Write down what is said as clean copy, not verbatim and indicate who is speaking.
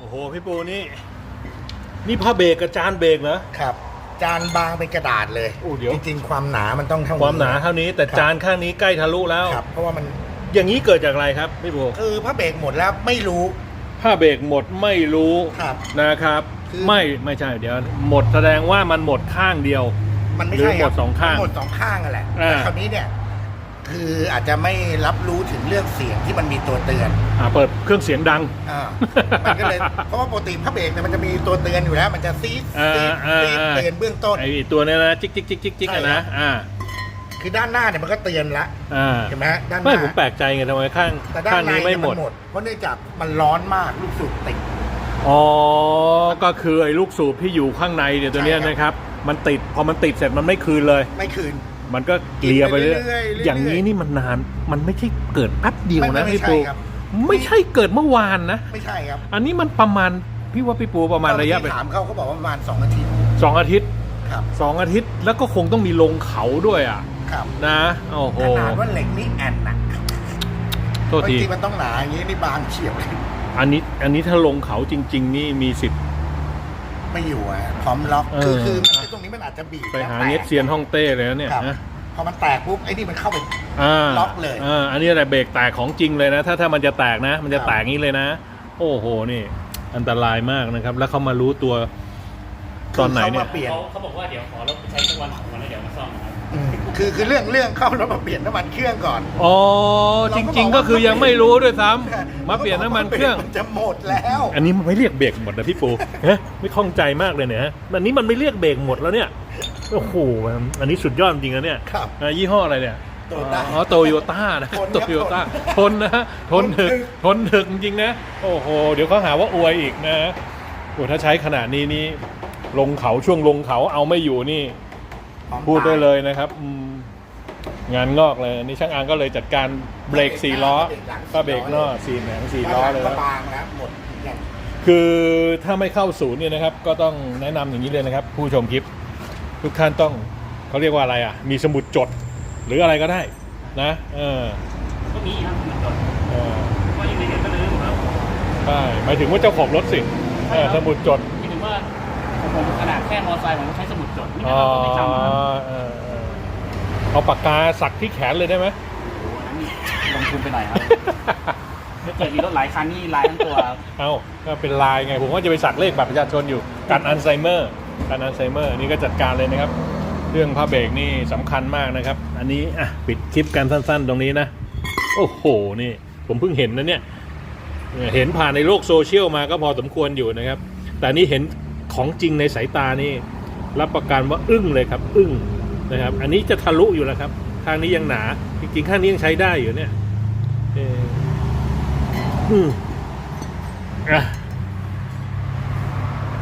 Speaker 1: โหพี่ปูนี่ผ้าเบรกกับจานเบรกเหรอ
Speaker 2: ครับจานบางเป็นกระดาษเลย
Speaker 1: โอ้เดี๋ยว
Speaker 2: จริงๆความหนามันต้องเท่านี้
Speaker 1: ความหนาเท่านี้แต่จานข้างนี้ใกล้ทะลุแล้ว
Speaker 2: ครับเพราะว่ามัน
Speaker 1: อย่างนี้เกิดจากอะไรครับพี่ปู
Speaker 2: คือผ้าเบรกหมดแล้วไม่รู้
Speaker 1: ผ้าเบรกหมดไม่รู้นะครับไม่ใช่เดี๋ยวหมดแสดงว่ามันหมดข้างเดียว
Speaker 2: มันไม่ใช่
Speaker 1: หมดสองข้าง
Speaker 2: หมดสองข้างนั่นแหละแต่คราวนี้เนี่ยคืออาจจะไม่รับรู้ถึงเรื่องเสียงที่มันมีตัวเตือน
Speaker 1: เปิดเครื่องเสียงดัง
Speaker 2: มันก็เลยเพราะว่าปกติผ้าเบรกเนี่ยมันจะมีตัวเตือนอยู่แล้วมันจะซีดเตือนเบื้องต้น
Speaker 1: ไอ้ตัวนี้นะจิ๊กนะ
Speaker 2: คือด้านหน้าเนี่ยมันก็เตือนละเห็นไหมด้านหน้า
Speaker 1: ไม่ผมแปลกใจไงทำไมข้างนี้ไม่หมด
Speaker 2: เพราะเนื่องจากมันร้อนมากลูกสูบติด
Speaker 1: ก็คือไอ้ลูกสูบที่อยู่ข้างในเนี่ยตัวนี้นะครับมันติดพอมันติดเสร็จมันไม่คืนเลย
Speaker 2: ไม่คืน
Speaker 1: มันก็เกลี่ยไปเรื่อยอย่างนี้นี่มันนานมันไม่ใช่เกิดแป๊บเดียวนะพี่ปูไม่ใช่เกิดเมื่อวานนะ
Speaker 2: ไม่ใช่ครับ
Speaker 1: อันนี้มันประมาณพี่ว่าพี่ปูประมาณระยะไป
Speaker 2: ถามเขาบอกว่าประมาณ2 อาทิตย์
Speaker 1: 2 อาทิตย์
Speaker 2: ครับ
Speaker 1: 2 อาทิตย์แล้วก็คงต้องมีลงเขาด้วยนะโอ้โห
Speaker 2: ขนาดว่าเหล็กนี่แอนนะ
Speaker 1: โทษที
Speaker 2: มันต้องหนาอย่างนี้นี่บางเฉียบเลย
Speaker 1: อันนี้ถ้าลงเขาจริงๆนี่มีสิทธิ์
Speaker 2: ไม่อยู่พร้อมล็อกคือตรงนี้มันอาจจะบีบ
Speaker 1: ไปหาเน็ตเซียนฮ่องเต้เลยเนี่ย
Speaker 2: พอมันแตกปุ๊บไอ้นี่มันเข้าไปล็อกเลย
Speaker 1: อันนี้อะไรเบรกแตกของจริงเลยนะถ้ามันจะแตกนะมันจะแตกงี้เลยนะโอ้โหนี่อันตรายมากนะครับแล้วเขามารู้ตัวตอนไหนเนี่ย
Speaker 3: เขาบอกว่าเดี๋ยวขอรถไปใช้สักวัน2 วันแล้วเดี๋ยวมาซ่อมครับ
Speaker 2: คือเรื่องเข้ารถมาเปลี่ยนน้ำมันเครื่องก่อน
Speaker 1: จริงๆก็คือยังไม่รู้ด้วยซ้ำมาเปลี่ยนน้ำมันเครื่อง
Speaker 2: จะหมดแล้ว
Speaker 1: อันนี้มันไม่เรียกเบรกหมดนะพี่ปูไม่คล่องใจมากเลยเนี่ยอันนี้มันไม่เรียกเบรกหมดแล้วเนี่ยโอ้โหอันนี้สุดยอดจริงนะเนี่ยยี่ห้ออะไรเนี่ยโตโยต้านะโตโยต้าทนนะทนถึกจริงนะโอ้โหเดี๋ยวเขาหาว่าอวยอีกนะโอ้ถ้าใช้ขนาดนี้นี่ลงเขาช่วงลงเขาเอาไม่อยู่นี่พูดได้เลยนะครับงานงอกเลยนี่ช่างอังก็เลยจัดการเบรก4 ล้อก็เบรกนอก4 ล้อเลย
Speaker 2: บางแล้วหมด
Speaker 1: คือถ้าไม่เข้าศูนย์เนี่ยนะครับก็ต้องแนะนำอย่างนี้เลยนะครับผู้ชมคลิปทุกท่านต้องเขาเรียกว่าอะไรมีสมุดจดหรืออะไรก็ได้นะ
Speaker 3: ก็มีครับสมุดจดว่าอยู่ในเน็ตก็เลยครับ
Speaker 1: ใช่หมายถึงว่าเจ้าของรถสิสมุดจด
Speaker 3: หมายถึงว่าผมขนาดแค่มอเตอร์ไซค์ผมใช้สมุดจดนี่นะครับไม่จำ
Speaker 1: เอาปากกาสักที่แขนเลยได้ไหม
Speaker 3: โอ้นั่นลงทุนไปหน่อยครับถ้าเกิดมีรถหลายคันนี่ลายทั้งตัว
Speaker 1: ก็เป็นลายไงผมว่าจะไปสักเลขบัตรประชาชนอยู่กันอัลไซเมอร์นี่ก็จัดการเลยนะครับเรื่องผ้าเบรกนี่สำคัญมากนะครับอันนี้ปิดคลิปกันสั้นๆตรงนี้นะโอ้โหนี่ผมเพิ่งเห็นนะเนี่ยเห็นผ่านในโลกโซเชียลมาก็พอสมควรอยู่นะครับแต่นี่เห็นของจริงในสายตานี่รับประกันว่าอึ้งเลยครับอึ้งนะครับอันนี้จะทะลุอยู่แล้วครับข้างนี้ยังหนาจริงๆข้างนี้ยังใช้ได้อยู่เนี่ย